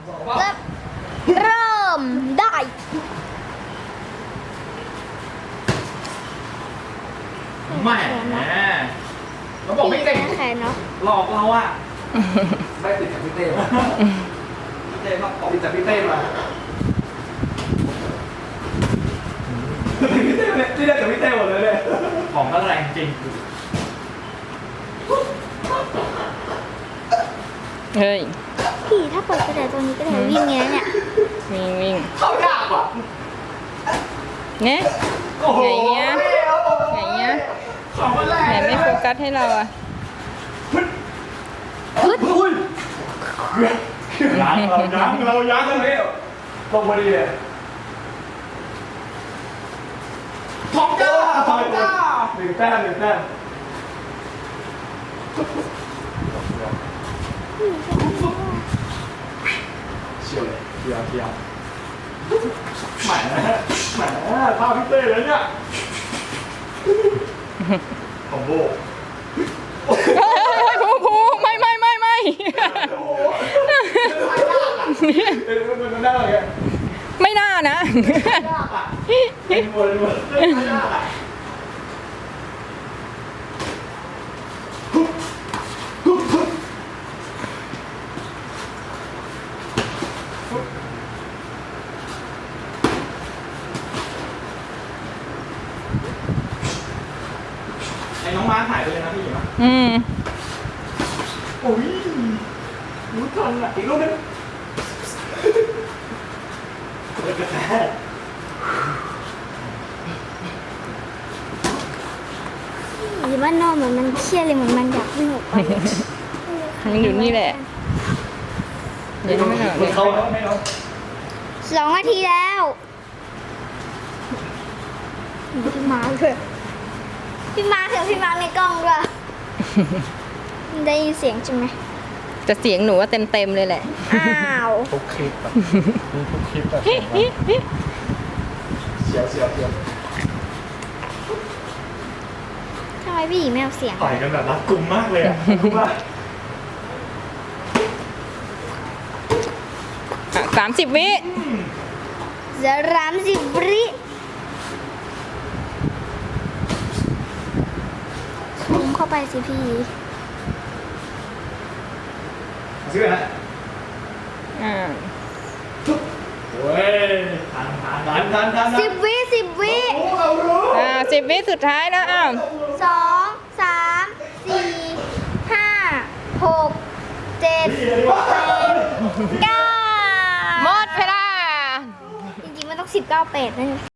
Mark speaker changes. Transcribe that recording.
Speaker 1: เริ่มได้
Speaker 2: แหม่เราบอกไม่เก่ง
Speaker 1: แขนเนาะ
Speaker 2: หลอกเราอะได้ติดจากพี่เต้มาพี่เต้มาติดจากพี่เต้มาพี่เต้เนี่ยที่ได้จากพี่เต้หมดเลยของก็แรงจริง
Speaker 3: เฮ้ย
Speaker 1: พี่ถ้าเปิดกระดาษตัวนี้ก็ได้วิ่งเงี้ยเนี่ย
Speaker 3: วิ่ง
Speaker 2: เข้ายากว่ะ
Speaker 3: เนี่ย
Speaker 2: โอ้โห
Speaker 3: ไหนเงี้ยไหนเงี้ย
Speaker 2: ของก็แรง
Speaker 3: ไหนไม่โฟกัสให้เราอ่ะ
Speaker 2: อุ้ยเรายั้งเลยลงพอดีเลยทองจ้าหนึ่งแต้มเชียวเลยเชียวแหมภาพพี่เต้เลยเนี่ยของโบ
Speaker 3: ภูไม่
Speaker 2: มันได้เลย
Speaker 3: ไม่น่านะ
Speaker 2: ยากอ่ะหมดยากอ่ะไอ้น้องม้าหายไปเลยนะพี่หญิงอ่ะโอ้ยรู้ทันอ่ะอีกรูปนึงกระแทก
Speaker 1: หรือว่านอนเหมือนมันเครียดเลยเหมือนมันอยากวิ่งออกไป
Speaker 3: มันอยู่นี่แหละ เดี๋ยวไม่หน่อย
Speaker 2: เขาไม่เอา
Speaker 1: 2 นาทีแล้วพี่มาร์คเลยพี่มาร์คเถอะพี่มาร์คในกล้องด้วยได้ยินเสียงใช่ไหม
Speaker 3: จะเสียงหนูว่าเต็มเลยแหละ
Speaker 1: อ้าว
Speaker 2: ทุกคลิปแบบทุกคลิปแบบเสียว
Speaker 1: ทำไมพี่หญิงไม่เอาเสียง
Speaker 2: ต่อยกันแบบรัดกุมมากเลยอ่ะรู้ป่ะ
Speaker 3: 30 วิ
Speaker 1: จะ30 วิซูมเข้าไปสิพี่
Speaker 2: ซื้อนะ
Speaker 3: อ่า
Speaker 2: โอ้ยทัน
Speaker 1: 10 วิ 10 วิ
Speaker 2: โอ้เรารู้
Speaker 3: 10 วิสุดท้ายแล้วอ้าว
Speaker 1: 2 3 4 5 6 7 8 9
Speaker 3: หมดเวลา
Speaker 1: จริงๆมันต้อง19 8นั่น